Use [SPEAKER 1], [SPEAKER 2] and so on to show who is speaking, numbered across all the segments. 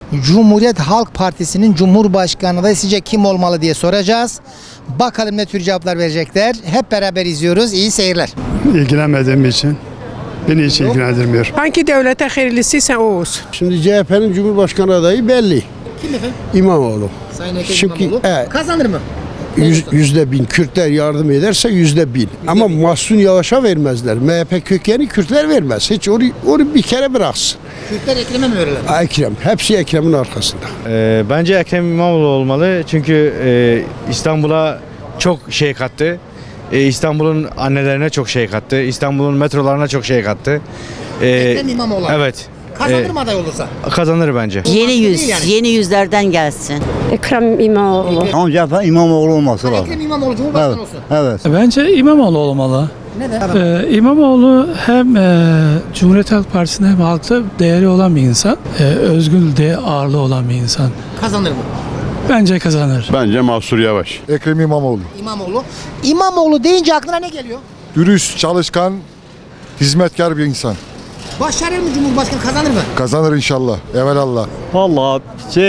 [SPEAKER 1] Cumhuriyet Halk Partisi'nin Cumhurbaşkanı adayı sizce kim olmalı diye soracağız. Bakalım ne tür cevaplar verecekler. Hep beraber izliyoruz. İyi seyirler.
[SPEAKER 2] İlgilenmediğim için beni hiç ilgilendirmiyor.
[SPEAKER 3] Hangi devlete hayırlısıysa o olsun.
[SPEAKER 4] Şimdi CHP'nin Cumhurbaşkanı adayı belli.
[SPEAKER 1] Kim efendim?
[SPEAKER 4] İmamoğlu.
[SPEAKER 1] Sayın Ekrem
[SPEAKER 4] Çünkü,
[SPEAKER 1] İmamoğlu.
[SPEAKER 4] evet.
[SPEAKER 1] Kazanır mı?
[SPEAKER 4] %1000. Kürtler yardım ederse %1000. Ama Mahsun Yavaş'a vermezler. MHP kökeni Kürtler vermez. Hiç onu bir kere bıraksın.
[SPEAKER 1] Kürtler Ekrem'e mi verirler?
[SPEAKER 4] Ekrem. Hepsi Ekrem'in arkasında.
[SPEAKER 5] Bence Ekrem İmamoğlu olmalı. Çünkü İstanbul'a çok şey kattı. İstanbul'un annelerine çok şey kattı. İstanbul'un metrolarına çok şey kattı.
[SPEAKER 1] Ekrem İmamoğlu.
[SPEAKER 5] Evet.
[SPEAKER 1] Kazanır mı aday olursa?
[SPEAKER 5] Kazanır bence.
[SPEAKER 6] Yeni yüz,
[SPEAKER 1] değil yani.
[SPEAKER 6] yeni yüzlerden gelsin.
[SPEAKER 3] Ekrem İmamoğlu.
[SPEAKER 7] Ancak İmamoğlu olması lazım.
[SPEAKER 1] Ekrem İmamoğlu Cumhurbaşkanı olsun.
[SPEAKER 7] Evet.
[SPEAKER 8] Bence İmamoğlu olmalı.
[SPEAKER 1] Neden?
[SPEAKER 8] İmamoğlu hem Cumhuriyet Halk Partisi'nde hem halkta değeri olan bir insan. Özgür de ağırlığı olan bir insan.
[SPEAKER 1] Kazanır mı?
[SPEAKER 8] Bence kazanır.
[SPEAKER 9] Bence Mahsur Yavaş.
[SPEAKER 10] Ekrem İmamoğlu.
[SPEAKER 1] İmamoğlu. İmamoğlu deyince aklına ne geliyor?
[SPEAKER 10] Dürüst, çalışkan, hizmetkar bir insan.
[SPEAKER 1] Başarır mı Cumhurbaşkanı, kazanır mı?
[SPEAKER 10] Kazanır inşallah. Evelallah.
[SPEAKER 11] Vallahi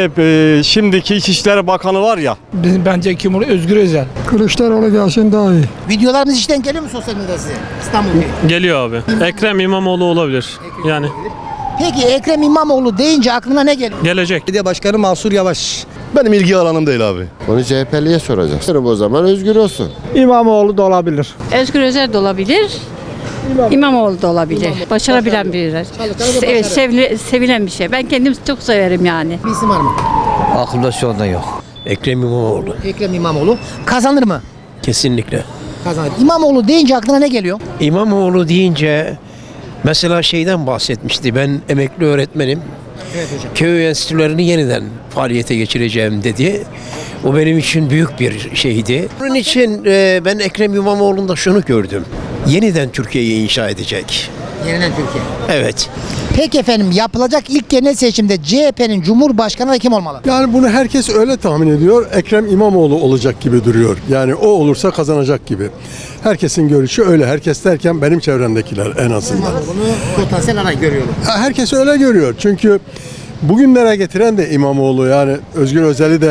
[SPEAKER 11] şimdiki İçişleri Bakanı var ya.
[SPEAKER 8] Bence Cumhur Özgür Özel.
[SPEAKER 2] Kılıçdaroğlu gelsin daha iyi.
[SPEAKER 1] Videolarımız işten geliyor mu sosyal medyada size? İstanbul'da.
[SPEAKER 11] Geliyor abi. Ekrem İmamoğlu olabilir. Yani
[SPEAKER 1] Peki Ekrem İmamoğlu deyince aklına ne geliyor?
[SPEAKER 11] gelecek.
[SPEAKER 7] Belediye Başkanı Mahsur Yavaş.
[SPEAKER 9] Benim ilgi alanım değil abi.
[SPEAKER 4] Onu CHP'liye soracağız. O zaman özgür olsun.
[SPEAKER 2] İmamoğlu da olabilir.
[SPEAKER 3] Özgür Özel de olabilir. İmamoğlu da olabilir. Başarabilen biri. Evet, sevilen bir şey. Ben kendim çok severim yani.
[SPEAKER 1] Bir isim var mı?
[SPEAKER 7] Aklımda şu anda yok. Ekrem İmamoğlu.
[SPEAKER 1] Ekrem İmamoğlu. Kazanır mı?
[SPEAKER 7] Kesinlikle.
[SPEAKER 1] Kazanır. İmamoğlu deyince aklına ne geliyor?
[SPEAKER 7] İmamoğlu deyince mesela şeyden bahsetmişti. Ben emekli öğretmenim.
[SPEAKER 1] Evet hocam.
[SPEAKER 7] Köy enstitülerini yeniden faaliyete geçireceğim dedi. O benim için büyük bir şeydi. Onun için ben Ekrem İmamoğlu'nda şunu gördüm. Yeniden Türkiye'yi inşa edecek.
[SPEAKER 1] Yeniden Türkiye.
[SPEAKER 7] Evet.
[SPEAKER 1] Peki efendim, yapılacak ilk genel seçimde CHP'nin Cumhurbaşkanı da kim olmalı?
[SPEAKER 2] Yani bunu herkes öyle tahmin ediyor. Ekrem İmamoğlu olacak gibi duruyor. Yani o olursa kazanacak gibi. Herkesin görüşü öyle. Herkes derken benim çevremdekiler en azından.
[SPEAKER 1] İmamoğlu'nu potansiyel aday görüyorum.
[SPEAKER 2] Herkes öyle görüyor. Çünkü bugünlere getiren de İmamoğlu. Yani Özgür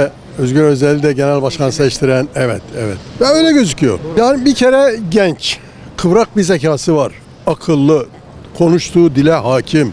[SPEAKER 2] Özel'i de genel başkan seçtiren. Evet. Ve öyle gözüküyor. Yani bir kere genç, kıvrak bir zekası var. Akıllı, konuştuğu dile hakim.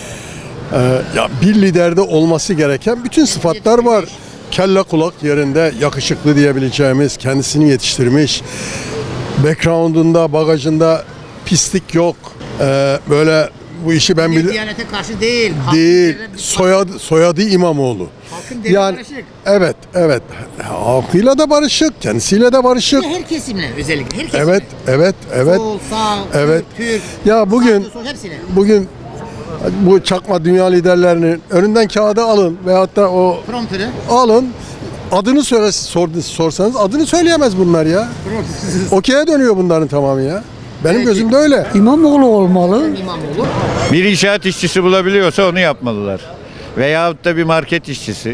[SPEAKER 2] Ya bir liderde olması gereken bütün sıfatlar var. Kelle kulak yerinde, yakışıklı diyebileceğimiz, kendisini yetiştirmiş. Background'unda, bagajında pislik yok. Böyle bu işi ben biliyorum.
[SPEAKER 1] Diyanete karşı değil.
[SPEAKER 2] Değil. Soyadı İmamoğlu.
[SPEAKER 1] Halkın değeri
[SPEAKER 2] Yani
[SPEAKER 1] barışık.
[SPEAKER 2] evet. Halkıyla da barışık, kendisiyle de barışık.
[SPEAKER 1] Her kesimle özellikle. Her kesimle.
[SPEAKER 2] Evet.
[SPEAKER 1] Sol, sağ,
[SPEAKER 2] Evet.
[SPEAKER 1] Türk,
[SPEAKER 2] Ya bugün
[SPEAKER 1] sağ, sol, hepsine.
[SPEAKER 2] bu çakma dünya liderlerinin önünden kağıdı alın veyahut da o
[SPEAKER 1] Prompter'ı.
[SPEAKER 2] alın. Adını sorsanız adını söyleyemez bunlar ya. Okey'e dönüyor bunların tamamı ya. Benim gözümde öyle.
[SPEAKER 6] İmamoğlu olmalı.
[SPEAKER 1] İmamoğlu.
[SPEAKER 5] Bir inşaat işçisi bulabiliyorsa onu yapmalılar. Veyahut da bir market işçisi.